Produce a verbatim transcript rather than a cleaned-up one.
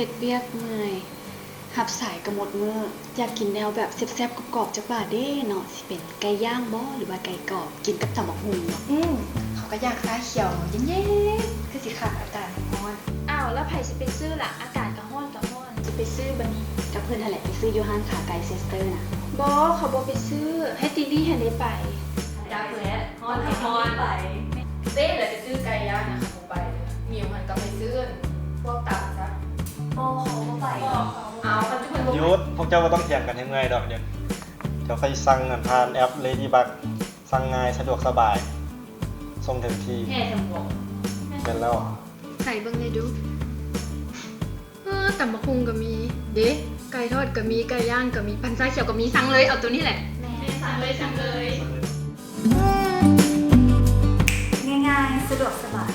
ฮ็ดเวียกเมื่อยหับสายกระหมดมื้ออยากกินแนวแบบแซ่บๆกรอบๆจักบาดเด้เนาะสิเป็นไก่ย่างบ่หรือว่าไก่กรอบกินกับตำบักหุ่งเนาะอืมเขาก็อยากฟ้าเขียวเย็นๆคือสิขาดอากาศร้อนอ้าวแล้วไผสิไปซื้อล่ะอากาศก็ร้อนก็ร้อนจะไปซื้อบัดนี้กับเพิ่นนั่นแหละไปซื้ออยู่ห้างขาไก่เซสเตอร์น่ะบ่เขาบ่ไปซื้อให้ติลี่ให้ได้ไปจักแล้ฮอนฮอนไปเต้เลยไปซื้อไก่ย่างนะคะผมไปมิวมันก็ไปซื้อพวกตับซะบ่เขาบ่ไปเอาปัจจุบันยุดพวกเจ้าก็ต้องเถียงกันยังไงดอกเดี๋ยวเดี๋ยวใครสั่งกันผ่านแอป Ladybug สั่งง่ายสะดวกสบายส่งถึงที่แห่ทำบวกเป็นแล้วใส่เบิ่งเลยดูเออตำบักหุ่งก็มี เด้ไก่ทอดก็มี ไก่ย่างก็มี พันซ้ายเขียวก็มี สั่งเลย เอาตัวนี้แหละสั่งเลยสั่งเลยง่ายๆ สะดวกสบาย